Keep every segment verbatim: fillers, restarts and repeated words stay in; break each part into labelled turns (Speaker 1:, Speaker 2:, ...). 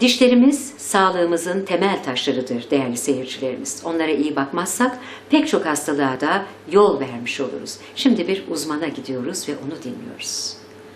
Speaker 1: Dişlerimiz sağlığımızın temel taşlarıdır değerli seyircilerimiz. Onlara iyi bakmazsak pek çok hastalığa da yol vermiş oluruz. Şimdi bir uzmana gidiyoruz ve onu dinliyoruz.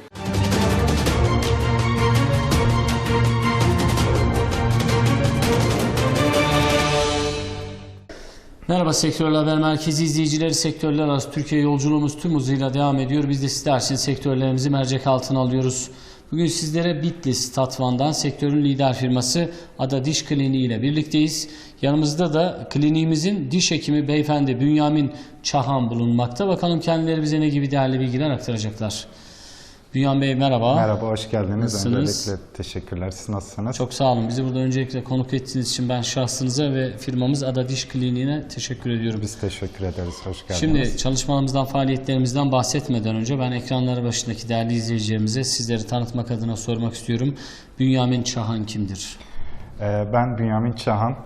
Speaker 2: Merhaba Sektörler Haber Merkezi izleyicileri, sektörler arası Türkiye yolculuğumuz tüm hızıyla devam ediyor. Biz de sizler için sektörlerimizi mercek altına alıyoruz. Bugün sizlere Bitlis Tatvan'dan sektörün lider firması Ada Diş Kliniği ile birlikteyiz. Yanımızda da kliniğimizin diş hekimi beyefendi Bünyamin Çahan bulunmakta. Bakalım kendileri bize ne gibi değerli bilgiler aktaracaklar. Bünyamin Bey merhaba.
Speaker 3: Merhaba, hoş geldiniz.
Speaker 2: Nasılsınız?
Speaker 3: Öncelikle teşekkürler. Siz nasılsınız?
Speaker 2: Çok sağ olun. Bizi burada öncelikle konuk ettiğiniz için ben şahsınıza ve firmamız Ada Diş Kliniği'ne teşekkür ediyorum.
Speaker 3: Biz teşekkür ederiz. Hoş geldiniz.
Speaker 2: Şimdi çalışmalarımızdan, faaliyetlerimizden bahsetmeden önce ben ekranları başındaki değerli izleyicilerimize sizleri tanıtmak adına sormak istiyorum. Bünyamin Çahan kimdir?
Speaker 3: Ben Bünyamin Çahan.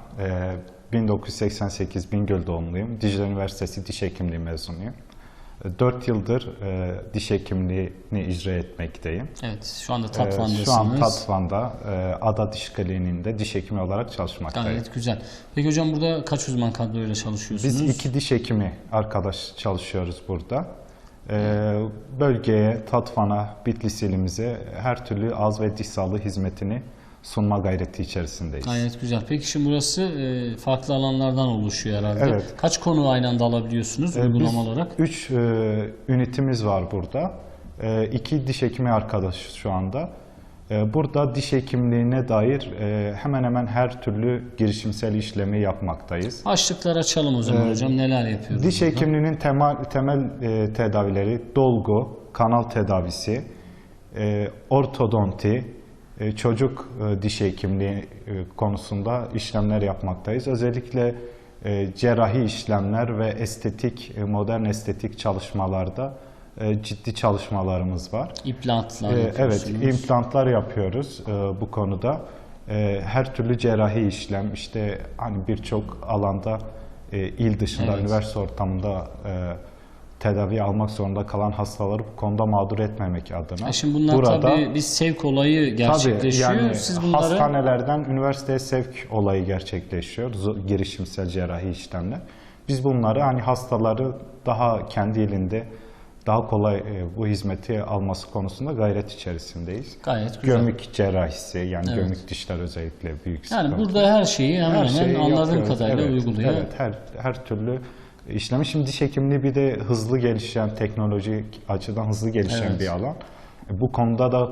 Speaker 3: bin dokuz yüz seksen sekiz Bingöl doğumluyum. Dicle Üniversitesi Diş Hekimliği mezunuyum. dört yıldır e, diş hekimliğini icra etmekteyim.
Speaker 2: Evet, şu anda Tatvan'dasınız.
Speaker 3: E, şu an Tatvan'da e, Ada Diş Kliniği'nde diş hekimi olarak çalışmaktayım.
Speaker 2: Gayet güzel. Peki hocam burada kaç uzman kadroyla çalışıyorsunuz?
Speaker 3: Biz iki diş hekimi arkadaş çalışıyoruz burada. E, bölgeye, Tatvan'a, Bitlis ilimize her türlü ağız ve diş sağlığı hizmetini sunma gayreti içerisindeyiz.
Speaker 2: Gayet güzel. Peki şimdi burası e, farklı alanlardan oluşuyor herhalde.
Speaker 3: Evet.
Speaker 2: Kaç konu aynı anda alabiliyorsunuz e, uygulama olarak?
Speaker 3: Üç e, ünitimiz var burada. E, iki diş hekimi arkadaşız şu anda. E, burada diş hekimliğine dair e, hemen hemen her türlü girişimsel işlemi yapmaktayız.
Speaker 2: Başlıklar açalım o zaman
Speaker 3: e,
Speaker 2: hocam. Neler yapıyoruz?
Speaker 3: Diş
Speaker 2: burada?
Speaker 3: hekimliğinin temel, temel e, tedavileri dolgu, kanal tedavisi, e, ortodonti, çocuk diş hekimliği konusunda işlemler yapmaktayız. Özellikle cerrahi işlemler ve estetik, modern estetik çalışmalarda ciddi çalışmalarımız var.
Speaker 2: İmplantlar
Speaker 3: Evet, implantlar yapıyoruz bu konuda. Her türlü cerrahi işlem, işte hani birçok alanda il dışında, evet, üniversite ortamında tedavi almak zorunda kalan hastaları bu konuda mağdur etmemek adına.
Speaker 2: E şimdi bunlar burada, tabii bir sevk olayı gerçekleşiyor.
Speaker 3: Tabii, yani
Speaker 2: Siz bunları...
Speaker 3: hastanelerden üniversiteye sevk olayı gerçekleşiyor. Girişimsel cerrahi işlemler. Biz bunları hani hastaları daha kendi elinde daha kolay bu hizmeti alması konusunda gayret içerisindeyiz.
Speaker 2: Gayet güzel.
Speaker 3: Gömük cerrahisi, yani evet, gömük dişler özellikle büyük
Speaker 2: yani
Speaker 3: sıkıntı.
Speaker 2: burada her şeyi hemen
Speaker 3: her
Speaker 2: hemen
Speaker 3: şeyi
Speaker 2: anladığım
Speaker 3: yapıyoruz.
Speaker 2: kadarıyla
Speaker 3: Evet,
Speaker 2: uyguluyor.
Speaker 3: Evet, her, her türlü işlemi. Şimdi diş hekimliği bir de hızlı gelişen, teknolojik açıdan hızlı gelişen, evet, bir alan. Bu konuda da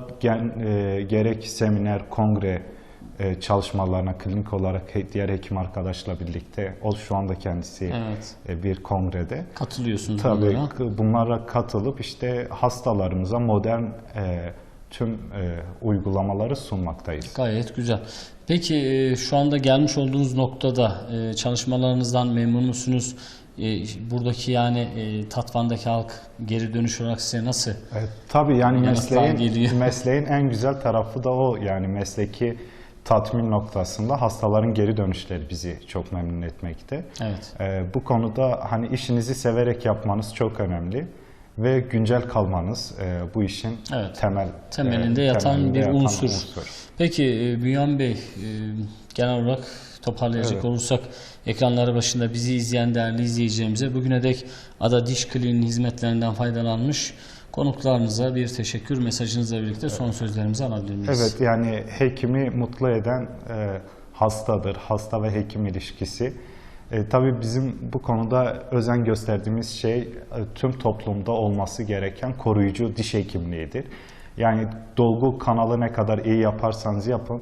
Speaker 3: e, gerek seminer, kongre e, çalışmalarına klinik olarak diğer hekim arkadaşla birlikte, o şu anda kendisi, evet, e, bir kongrede.
Speaker 2: Katılıyorsunuz
Speaker 3: Tabii
Speaker 2: bunlara.
Speaker 3: Bunlara katılıp işte hastalarımıza modern e, tüm e, uygulamaları sunmaktayız.
Speaker 2: Gayet güzel. Peki e, şu anda gelmiş olduğunuz noktada e, çalışmalarınızdan memnun musunuz? E, buradaki yani e, Tatvan'daki halk geri dönüş olarak size nasıl?
Speaker 3: Evet, tabii yani mesleğin, mesleğin en güzel tarafı da o, yani mesleki tatmin noktasında hastaların geri dönüşleri bizi çok memnun etmekte.
Speaker 2: Evet.
Speaker 3: E, bu konuda hani işinizi severek yapmanız çok önemli ve güncel kalmanız e, bu işin, evet, temel
Speaker 2: temelinde
Speaker 3: e,
Speaker 2: yatan
Speaker 3: temelinde
Speaker 2: bir
Speaker 3: yatan
Speaker 2: unsur.
Speaker 3: unsur.
Speaker 2: Peki e, Bünyamin Bey, e, genel olarak toparlayacak, evet, olursak ekranları başında bizi izleyen değerli izleyicilerimize bugüne dek Ada Diş Kliniği'nin hizmetlerinden faydalanmış konuklarınıza bir teşekkür mesajınızla birlikte son sözlerimizi alabilir miyiz?
Speaker 3: Evet, yani hekimi mutlu eden e, hastadır. Hasta ve hekim ilişkisi. E, tabii bizim bu konuda özen gösterdiğimiz şey e, tüm toplumda olması gereken koruyucu diş hekimliğidir. Yani dolgu kanalı ne kadar iyi yaparsanız yapın,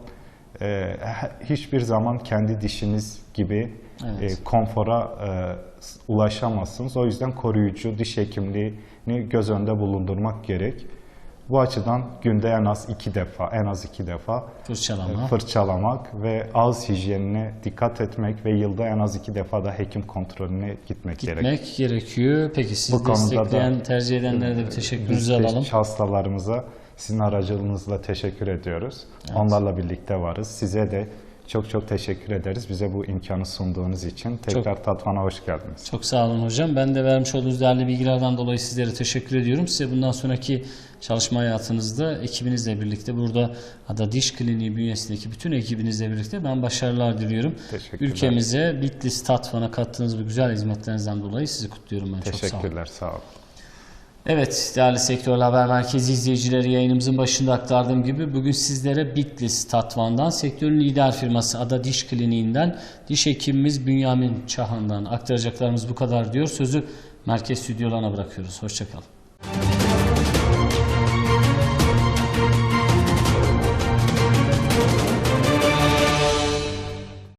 Speaker 3: e, hiçbir zaman kendi dişiniz gibi, evet, e, konfora e, ulaşamazsınız. O yüzden koruyucu diş hekimliğini göz önünde bulundurmak gerek. Bu açıdan günde en az iki defa, en az iki defa
Speaker 2: Fırçalama.
Speaker 3: fırçalamak ve ağız hijyenine dikkat etmek ve yılda en az iki defa da hekim kontrolüne gitmek,
Speaker 2: gitmek
Speaker 3: gerek.
Speaker 2: gerekiyor. Peki siz bu destekleyen, da, tercih edenlere de bir teşekkürünüzü alalım.
Speaker 3: Biz hastalarımıza sizin aracılığınızla teşekkür ediyoruz. Evet. Onlarla birlikte varız. Size de Çok çok teşekkür ederiz bize bu imkanı sunduğunuz için. Tekrar Tatvan'a hoş geldiniz.
Speaker 2: Çok sağ olun hocam. Ben de vermiş olduğunuz değerli bilgilerden dolayı sizlere teşekkür ediyorum. Size bundan sonraki çalışma hayatınızda ekibinizle birlikte, burada Ada Diş Kliniği bünyesindeki bütün ekibinizle birlikte ben başarılar diliyorum.
Speaker 3: Teşekkürler.
Speaker 2: Ülkemize Bitlis Tatvan'a kattığınız bu güzel hizmetlerinizden dolayı sizi kutluyorum ben. Çok sağ olun.
Speaker 3: Teşekkürler, sağ olun.
Speaker 2: Evet, değerli Sektörel Haber Merkezi izleyicileri, yayınımızın başında aktardığım gibi bugün sizlere Bitlis Tatvan'dan, sektörün lider firması Ada Diş Kliniği'nden diş hekimimiz Bünyamin Çahan'dan aktaracaklarımız bu kadar diyor. Sözü merkez stüdyolarına bırakıyoruz. Hoşçakalın.